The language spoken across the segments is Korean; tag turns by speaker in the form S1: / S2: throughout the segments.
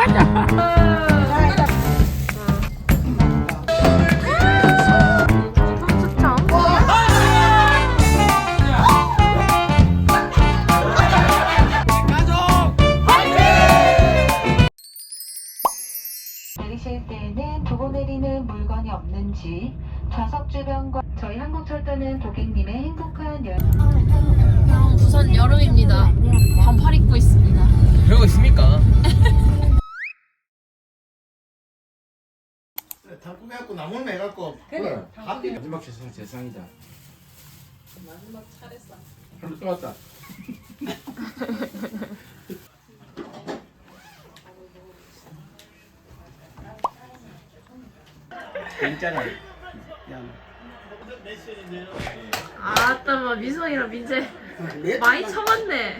S1: 내리실 때에는 두고 내리는 물건이 없는지 좌석 주변과 저희 한국철도는 고객님의 행복한
S2: 부산 여름입니다. 반팔 입고 있습니다.
S3: 그러고 있습니까?
S4: 다 꾸며갖고 나물 매갖고 그래 하필
S3: 마지막 세상이다.
S2: 마지막 차례상.
S4: 하루 또 왔다.
S3: 괜찮아.
S2: 아따 뭐 미성이랑 민재 많이 쳐봤네.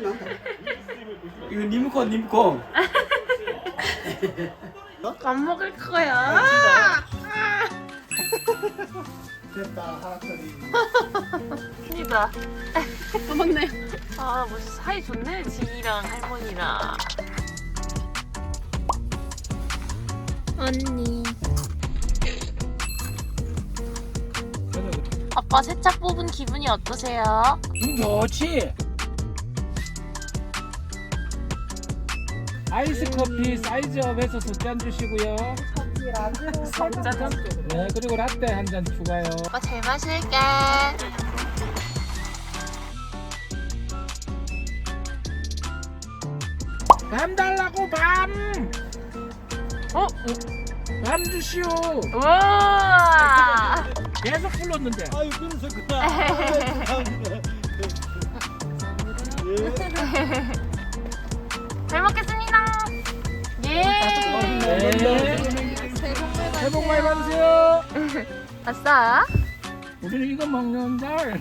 S3: 이거 님콩.
S2: 안 먹을 거야.
S4: 됐다 하나짜리.
S2: 입니다. 또 먹네. 아, 뭐 사이 좋네. 진이랑 할머니랑. 언니. 아빠 세차 뽑은 기분이 어떠세요?
S5: 좋지. 아이스 커피 사이즈업해서 2잔 주시고요. 네, 그리고 라떼 한 잔 추가요.
S2: 아빠 잘 마실게.
S5: 밤 달라고 밤.
S2: 어?
S5: 밤 주시오.
S2: 우와.
S5: 계속 불렀는데.
S4: 아유 끊으셨구나.
S2: 잘 먹겠습니다. 예.
S5: 네. 새해 복 많이 받으세요.
S2: 아싸.
S5: 우리는 이거 먹는 날.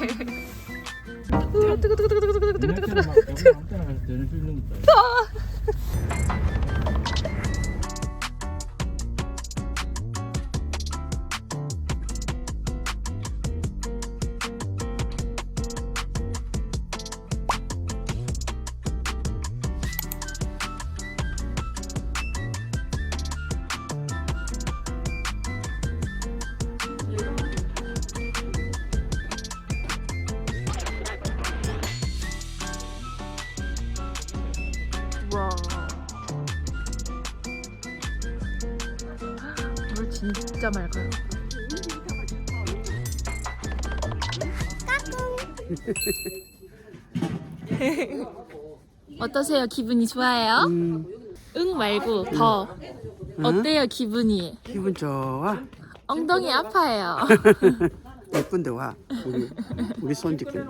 S2: 우와. 물 진짜 맑아요. 어떠세요? 기분이 좋아요? 응 말고 더. 어때요 기분이?
S6: 기분 좋아.
S2: 엉덩이 아파요.
S6: 예쁜데 와. 우리 손짓인데.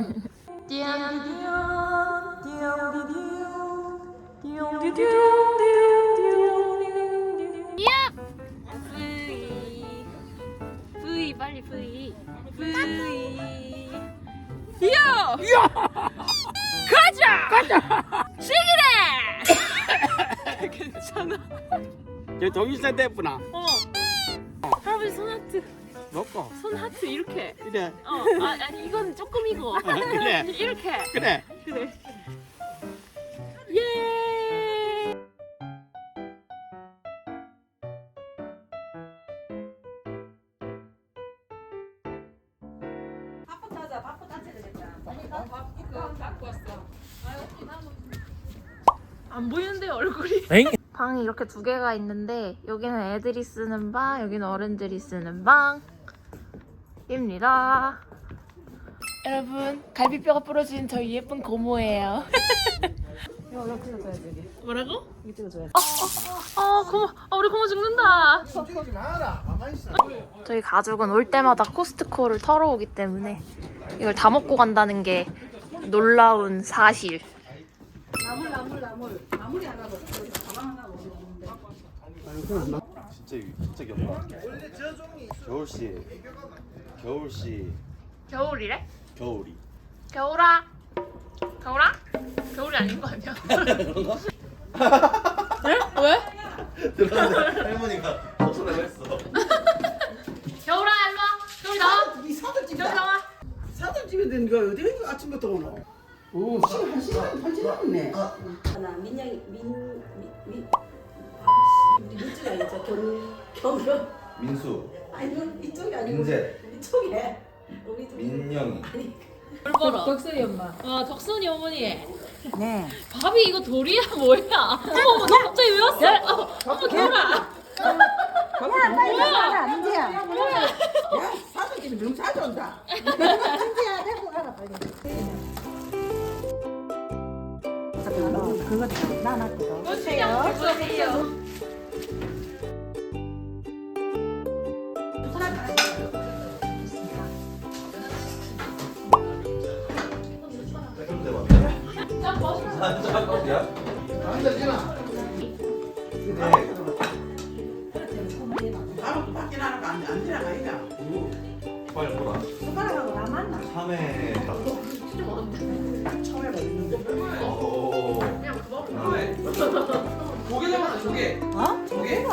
S2: V 빨리 V 이야 가자 시기래 괜찮아.
S6: 저 동일산 대구나.
S2: 할아버지 손 하트
S6: 먹고.
S2: 손 하트 이렇게
S6: 그래.
S2: 아니 이건 조금이고
S6: 그래.
S2: 이렇게
S6: 그래.
S2: 그래 예. 안 보이는데 얼굴이.
S5: 엥?
S2: 방이 이렇게 두 개가 있는데 여기는 애들이 쓰는 방, 여기는 어른들이 쓰는 방입니다. 여러분 갈비뼈가 부러진 저희 예쁜 고모예요. 뭐라고? 이거 찍어줘야지. 고모, 우리 고모 죽는다.
S4: 찍지 마라. 가만히 있어.
S2: 저희 가족은 올 때마다 코스트코를 털어오기 때문에 이걸 다 먹고 간다는 게 놀라운 사실.
S7: 진짜 귀엽다. 겨울씨
S2: 겨울이래?
S7: 겨울이.
S2: 겨울아. 겨울이 아닌 거 아니야? 네? 왜?
S7: 들었는데 할머니가 소리를 했어.
S2: 겨울아 일로 와. 겨울 나와.
S6: 이 사들집이다.
S2: 겨울 나와.
S6: 사들집에 된 거 어디 아침부터 오노? 오, 시간 한 시간 반 지났네.
S8: 나 민영이 우리 이쪽이 아니죠 경경
S7: 민수,
S8: 아니요 이쪽이 아니고
S7: 민재,
S8: 이쪽에 우리 좀
S7: 민영이.
S2: 덕순이 엄마. 덕순이 어머니. 네. 밥이 이거 돌이야 뭐야? 어머, 너 갑자기 왜 왔어? 어머, 개라. 뭐야?
S8: 민재야
S2: 뭐야?
S8: 야 사돈끼리 너무 자주 온다 민재야 데리고 가라 빨리 그거 나놨거든
S2: 보세요.
S7: 좀 대박. 야?
S4: 안 되지나?
S7: 네.
S8: 바로 밖에 나가면 안 들어가니까
S7: 빨리 보라.
S8: 숟가락하고 나 만나
S7: 3회 딱.
S8: 처음에 먹는
S7: 오. 그러네.
S3: 조개 잡았다 조개.
S8: 어?
S3: 조개?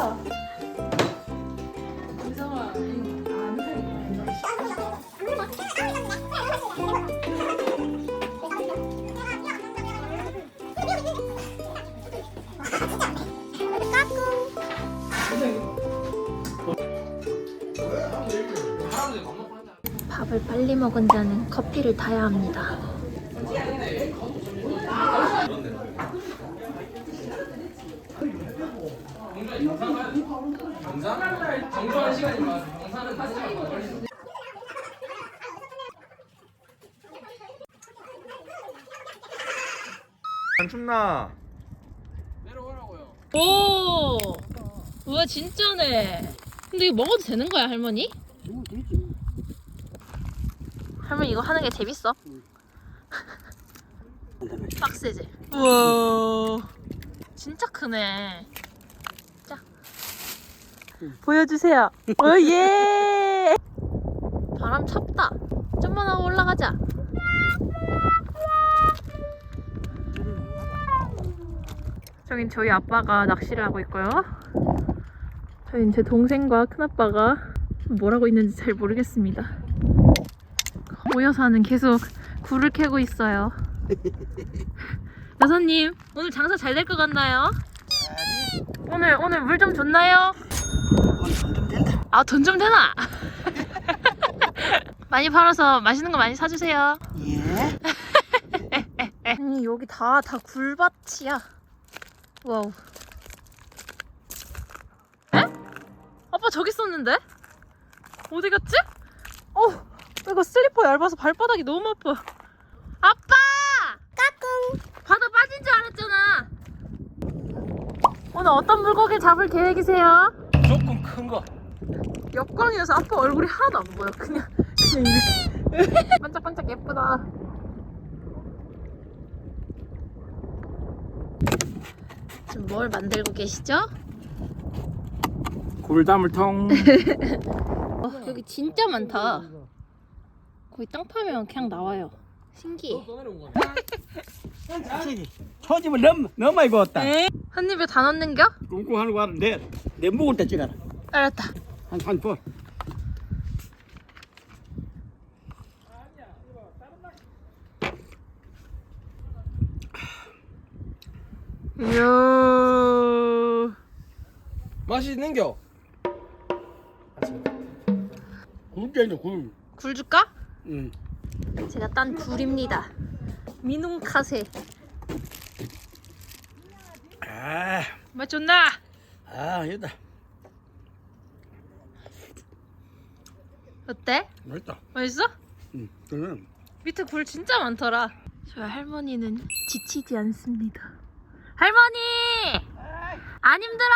S2: 밥을 빨리 먹은 자는 커피를 타야 합니다.
S3: 영상? 정정한 시간이 많아. 영상은 다시 걸리는.
S4: 안 춥나?
S3: 내려오라고요.
S2: 오, 우와 진짜네. 근데 이거 먹어도 되는 거야 할머니? 할머니 이거 하는 게 재밌어? 빡세지? 우와 진짜 크네. 자 보여주세요. 오예. 바람 찹다. 좀만 하고 올라가자. 저긴 저희 아빠가 낚시를 하고 있고요. 저긴 제 동생과 큰아빠가 뭘 하고 있는지 잘 모르겠습니다. 모여서는 계속 굴을 캐고 있어요. 여사님 오늘 장사 잘 될 것 같나요? 오늘 물 좀 줬나요?
S6: 좀 된다.
S2: 아 돈 좀 되나? 많이 팔아서 맛있는 거 많이 사주세요.
S6: 예.
S2: 아니 여기 다 굴밭이야. 와우. 에? 아빠 저기 있었는데? 어디 갔지? 이거 슬리퍼 얇아서 발바닥이 너무 아파. 아빠! 까꿍! 바다 빠진 줄 알았잖아. 오늘 어떤 물고기 잡을 계획이세요?
S5: 조금 큰 거.
S2: 역광이어서 아빠 얼굴이 하나도 안 보여. 그냥 이렇게. 반짝반짝 예쁘다. 지금 뭘 만들고 계시죠?
S5: 굴담을 통.
S2: 여기 진짜 많다. 거의 땅 파면 그냥 나와요. 신기해.
S6: 초집을 너무 많이 구웠다.
S2: 한 입에 다 넣는겨?
S6: 꿍꿍하는 거 하는데 내 먹을 때 찍어라.
S2: 알았다.
S6: 한 번.
S2: 이야.
S3: 맛이 있는겨.
S6: 굴전이죠 굴.
S2: 굴 줄까?
S6: 응.
S2: 제가 딴 굴입니다. 미농카세. 맛 좋나?
S6: 여기다.
S2: 어때?
S6: 맛있다.
S2: 맛있어?
S6: 응. 그러면
S2: 밑에 굴 진짜 많더라. 저희 할머니는 지치지 않습니다. 할머니! 안 힘들어?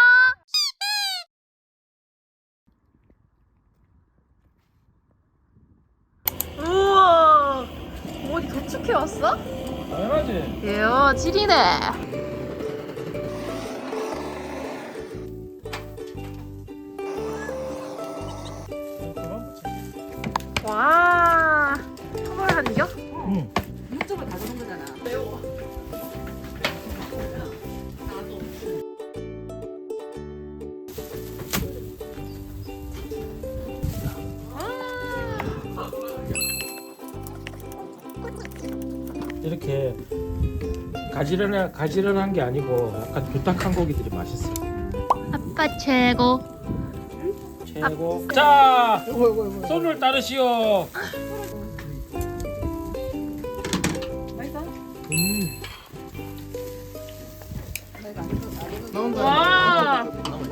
S2: 우와! 어디 도축해 왔어?
S5: 당연하지.
S2: 이야, 찌리네. 와, 그걸 한겨?
S5: 응.
S8: 육즙을 가져온 거잖아
S5: 이렇게 가지런한 게 아니고 약간 두딱한 고기들이 맛있어.
S2: 아빠 최고.
S5: 최고. 자, 손을 따르시오.
S2: 와.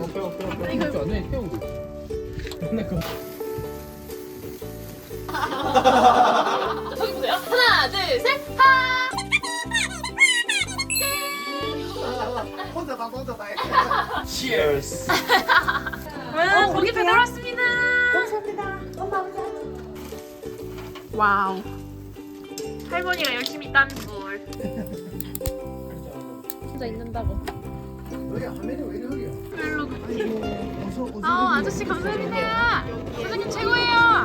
S2: 저기 보세요. 하나, 둘, 셋. 하.
S5: Cheers.
S2: 와, 고기 배달 왔습니다.
S8: 감사합니다. 엄마 보자.
S2: 와우. 할머니가 열심히 딴 물. 혼자 있는다고.
S6: 너희 화면이 왜 이래 흐려?
S2: 아저씨 감사합니다. 사장님 최고예요.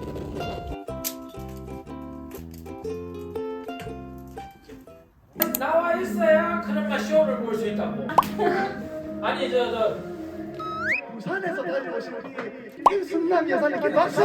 S5: 나와 있어야 그나마 쇼를 볼 수 있다고. 아니 저
S4: 부산에서 다녀오신 우리 김순남 여사님께 박수!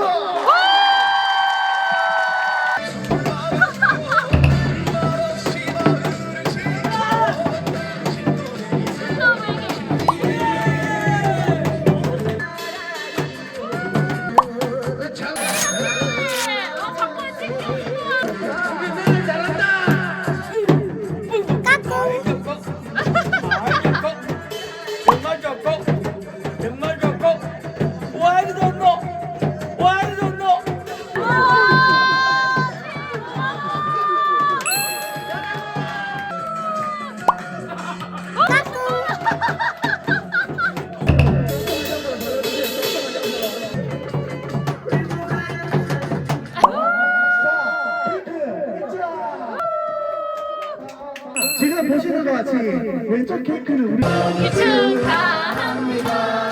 S5: 정말 좋고 Why don't know? Why don't know?
S4: 지금 보시는 것 같이 왼쪽 케이크는 우리
S2: 축하합니다.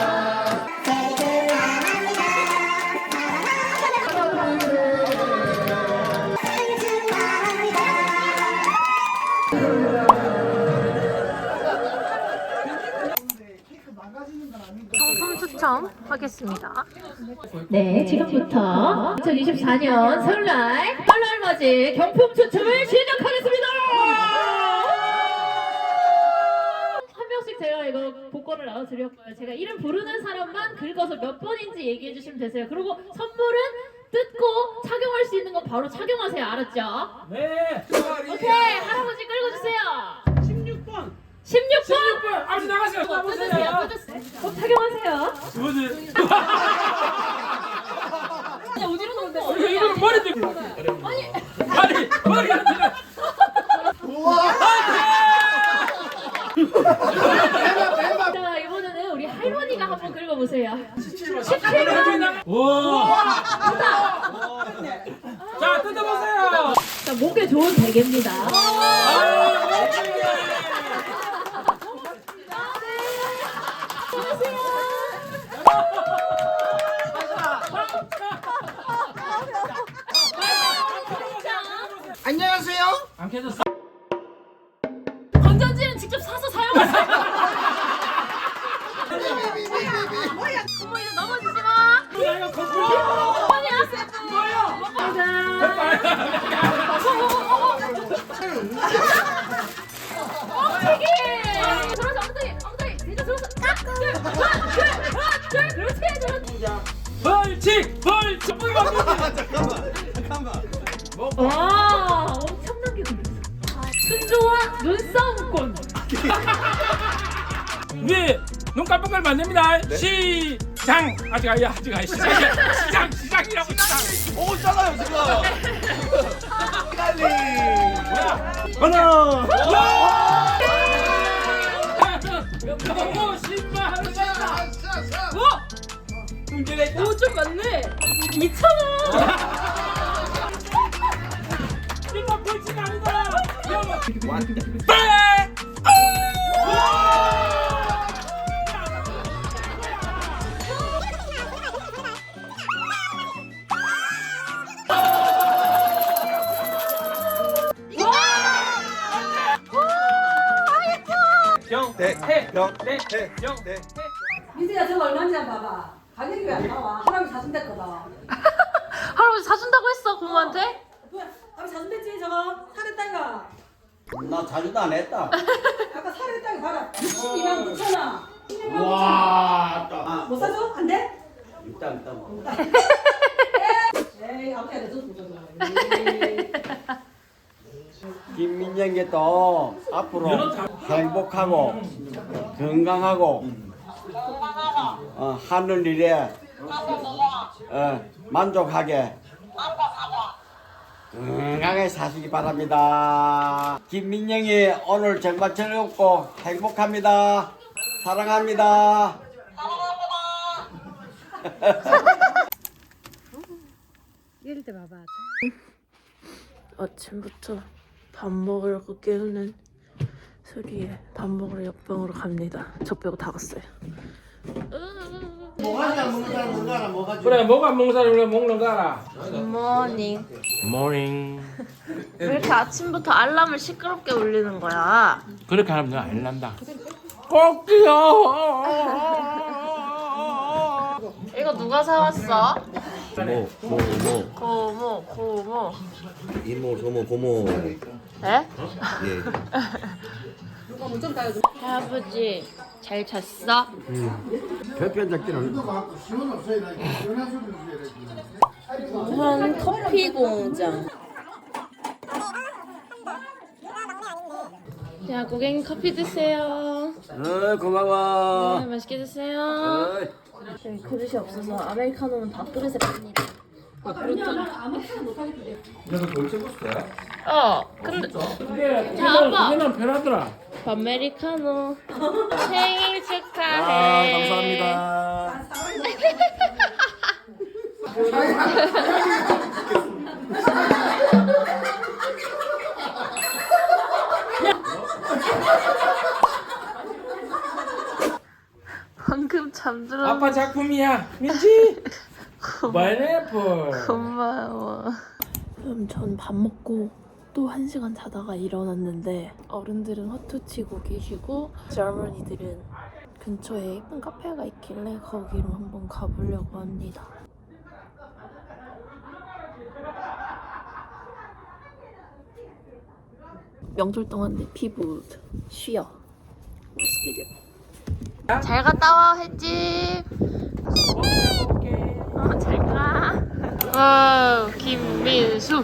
S2: 상품 추첨하겠습니다.
S9: 네, 지금부터 2024년 설날 맞이 경품 추첨을 시작하겠습니다. 한 명씩 제가 이거 복권을 나눠드렸고요. 제가 이름 부르는 사람만 긁어서 몇 번인지 얘기해 주시면 되세요. 그리고 선물은 뜯고 착용할 수 있는 건 바로 착용하세요. 알았죠?
S5: 네.
S9: 오케이, 할아버지 끌어주세요.
S5: 16번.
S9: 16번.
S5: 아버지 나가세요.
S9: 뜯으세요. 꼭 착용하세요.
S5: 뭐지?
S9: 아니, 어디로 놓는데?
S5: 이거 머리 들. 아니 머리 안 들어.
S9: 자, 이번에는 우리 할머니가 한번 긁어보세요.
S5: 17번. 와. 자 뜯어보세요.
S9: 자, 목에 좋은 베개입니다.
S6: 안녕하세요.
S5: 안 깨졌어.
S9: 건전지는 직접 사서 사용하세요. 어머, 이제 넘어지지 마.
S5: 야 이거 거꾸로.
S9: 어머니 하세요. 되게. 들어서 엉덩이 뒤로 들어서. 그렇지.
S5: 벌칙.
S9: 와, 엄청난 게 걸렸어. 순조와 눈싸움권.
S5: 우리 눈 깜빡을 만듭니다. 시장. 아직 아니야. 시장이라고 시장.
S7: 오 있잖아요 지금.
S5: 빨리. 하나. 와. 오 10만 원. 와. 문제가 있다.
S9: 오, 좀 많네. 2,000원.
S5: 이거 벌칙 아니다.
S8: 민지야 저거 얼마인지 한번 봐봐. 가격이 왜 안 나와? 할아버지 사준댔거든.
S2: 할아버지 사준다고 했어 고모한테?
S8: 뭐야? 할아버지 사준댔지 저거? 사랬다 이거.
S5: 나 자주도 안 했다.
S8: 아까 사료했다고 봐라. 22만 9천 원.
S5: 와, 또.
S8: 못 사줘? 안 돼?
S5: 일단.
S8: 에이, 앞에 줘.
S5: 김민정이 또 앞으로 행복하고 건강하고 하는 일에 만족하게 건강하게 사시기 바랍니다. 김민정이 오늘 정말 즐겁고 행복합니다. 사랑합니다.
S2: 아침부터 밥 먹으려고 깨우는 소리에 밥 먹으러 옆방으로 갑니다. 저 빼고 다 갔어요.
S4: 뭐가지 안 먹는 사람 뭔가 알아 뭐가지.
S3: 그래 뭐가 안 먹는 사람이 왜 먹는 거 알아?
S2: 굿모닝.
S3: 모닝.
S2: 왜 이렇게 아침부터 알람을 시끄럽게 울리는 거야?
S3: 그렇게 하면 내가 안 난다. 꼭지요.
S2: 이거 누가 사왔어?
S7: 고모
S2: 고모.
S7: 이모 소모 고모.
S2: 에?
S7: 예.
S2: 할아버지 잘 잤어?
S5: 대표적들은
S6: 시원 없어야 돼. 시원한 소리 줘야 돼.
S2: 우선 커피 공장. 자, 고객님 커피 드세요.
S5: 고마워.
S2: 맛있게 드세요. 저희 그릇이 없어서 아메리카노는 밥그릇에 팝니다.
S7: 그래서 돌체 보스야?
S2: 근데
S3: 그게
S2: 자, 아빠.
S3: 그게는 편하더라.
S2: 아메리카노 생일 축하해.
S5: 감사합니다.
S2: 방금 잠들었는데
S3: 아빠 작품이야. 민지. 파인애플.
S2: 고마워. 그럼 전 밥 먹고 또 1시간 자다가 일어났는데 어른들은 헛투치고 계시고 젊은이들은 근처에 예쁜 카페가 있길래 거기로 한번 가보려고 합니다. 명절 동안 내 피부 쉬어. 잘 갔다 와 횟집. 잘 가. 와우, 김민수.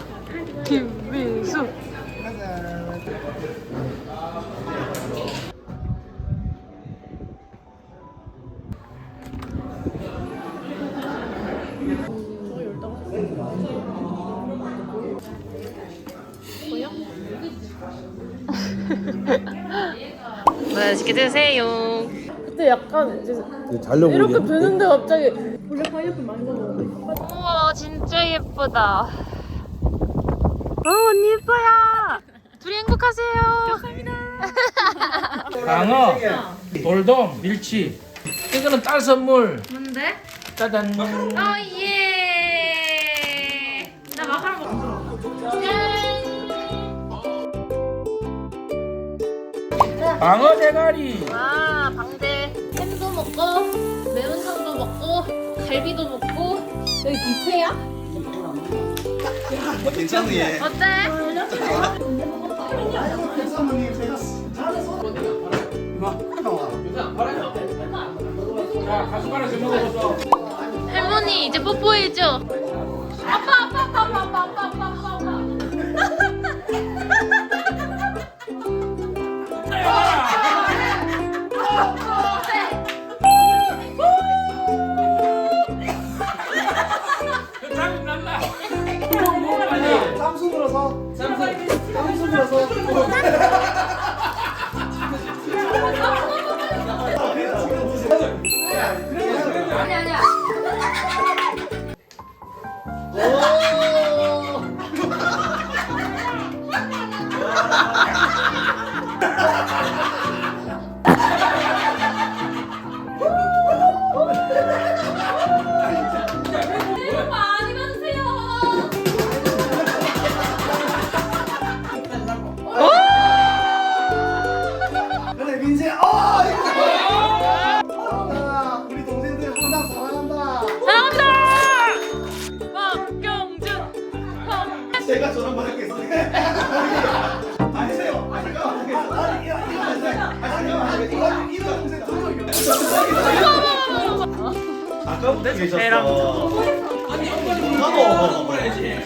S2: 맛있게 드세요. 그때 약간 이제 이렇게 되는데 갑자기 원래 파인애플 많이 먹었는데. 우와 진짜 예쁘다. 언니 예뻐요. 둘이 행복하세요. 감사합니다.
S3: 방어, 돌돔, 밀치. 이거는 딸 선물.
S2: 뭔데?
S3: 짜잔.
S2: 예. 나 마카롱 먹어.
S3: 방어 대가리.
S2: 와 방대. 햄도 먹고 매운탕도 먹고 갈비도 먹고 여기 뷔페야?
S7: 괜찮네.
S2: 어때?
S4: 사모님 제가 잘해서.
S3: 자, 가수가락씩 먹어봤어.
S2: 할머니 이제 뽀뽀해줘. 아빠.
S3: 짜증 난다.
S4: 쌈수 불어서. 쌈수 불어서.
S2: 아니야. 많이 받으세요.
S4: 그래 민재. 우리 동생들 항상 사랑한다.
S2: 사랑합니다. 박경준.
S4: 제가 저런 말 했겠어요. 아니세요.
S7: 아까부터 계셨어.
S3: 아니 나도 먹어야지.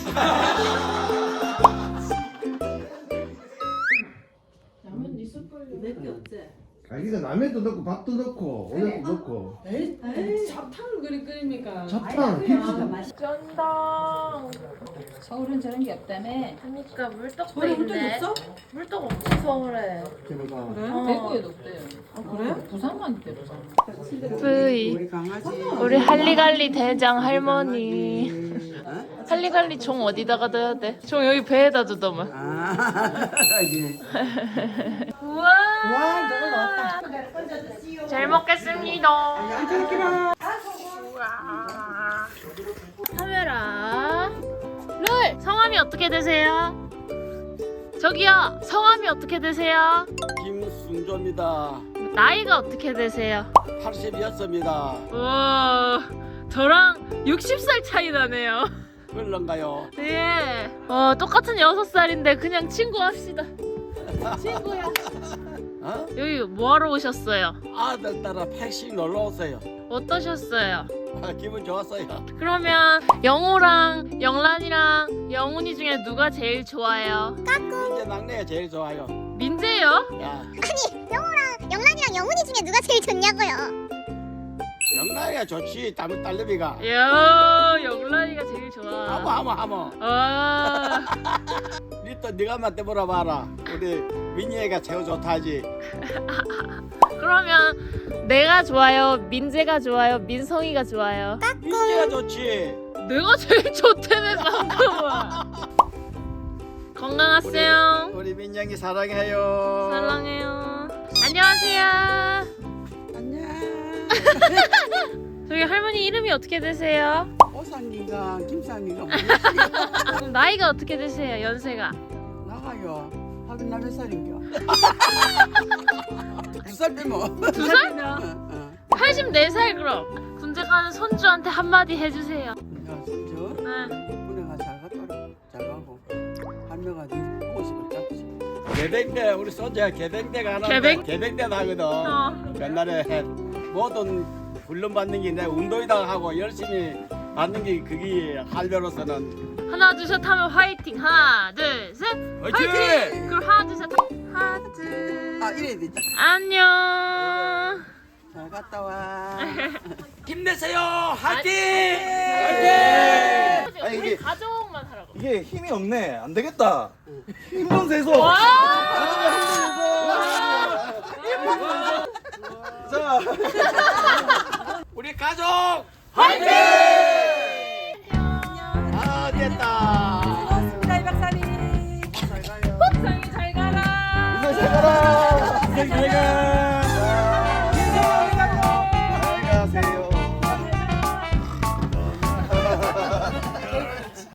S4: 아기가 라면도 넣고 밥도 넣고 오뎅도 넣고.
S8: 잡탕을 그리 끓입니까?
S4: 잡탕, 김치도.
S2: 쩐다.
S8: 서울은 저런 게 없다며.
S2: 그러니까 물떡도
S8: 서울에 물떡
S2: 있네.
S8: 없어?
S2: 물떡 없지 서울에.
S8: 그래?
S2: 어.
S8: 대구에도 없대요. 그래? 부산만 있대 부산.
S2: 뿌이. 우리 할리갈리 대장 할머니. 할리갈리 종 어디다가 둬야 돼? 종 여기 배에다 두더만. 우와.
S8: 저거 나왔다.
S2: 잘 먹겠습니다. 우와. 카메라. 룰. 성함이 어떻게 되세요? 저기요. 성함이 어떻게 되세요?
S5: 김순조입니다.
S2: 나이가 어떻게 되세요?
S5: 80이었습니다.
S2: 우와. 저랑 60살 차이 나네요.
S5: 그런가요?
S2: 네. 똑같은 6살인데 그냥 친구 합시다. 친구야.
S5: 어?
S2: 여기 뭐하러 오셨어요?
S5: 아들 따라 80 놀러 오세요.
S2: 어떠셨어요?
S5: 기분 좋았어요.
S2: 그러면 영호랑 영란이랑 영훈이 중에 누가 제일 좋아요?
S5: 이제 막내가 제일 좋아요.
S2: 민재요?
S5: 야,
S10: 영란이랑 영훈이 중에 누가 제일 좋냐고요?
S5: 영란이가 좋지. 딸내미가.
S2: 야, 영란이가 제일 좋아.
S5: 하모.
S2: 아,
S5: 니또 네가 한테 물어봐라. 우리 민희애가 제일 좋다지.
S2: 그러면 내가 좋아요? 민재가 좋아요? 민성이가 좋아요?
S5: 민희애가 좋지.
S2: 내가 제일 좋다며 방금은. 건강하세요.
S5: 우리 민영이 사랑해요.
S2: 사랑해요. 안녕하세요.
S8: 안녕.
S2: 저기 할머니 이름이 어떻게 되세요?
S8: 오상이가 김상이가
S2: 그럼 나이가 어떻게 되세요? 연세가?
S8: 나가요. 하긴 나몇 살인겨?
S5: 2살 빼면.
S2: 2살? 84살 그럼. 군대 가는 손주한테 한마디 해주세요.
S8: 야, 손주.
S2: 네.
S8: 군에가 잘 갔더라. 잘 가고. 할매가 네 보고 싶을 짝지.
S5: 개백대 우리 소주야 개백대가 하는데
S2: 개백?
S5: 개백대 나거든. 옛날에 모든 훈련 받는 게 내 운동이다 하고 열심히 받는 게 그게 할배로서는
S2: 하나 둘 셋 하면 화이팅. 하나 둘 셋.
S5: 화이팅!
S2: 그럼 하나 둘 셋. 하트.
S8: 아 이래 됐다.
S2: 안녕.
S8: 잘 갔다 와.
S5: 힘내세요 화이팅!
S2: 화이팅.
S7: 아니,
S2: 우리
S7: 이게-
S2: 가족만 하라고.
S7: 이게 힘이 없네. 안 되겠다. 힘 좀 세서.
S2: 와.
S7: 자.
S5: 우리 가족 화이팅! 아 됐다.
S8: 고맙습니다 이 박사님.
S2: 상이 잘 가라.
S7: 인생 잘 가라.
S5: 인생 잘 가.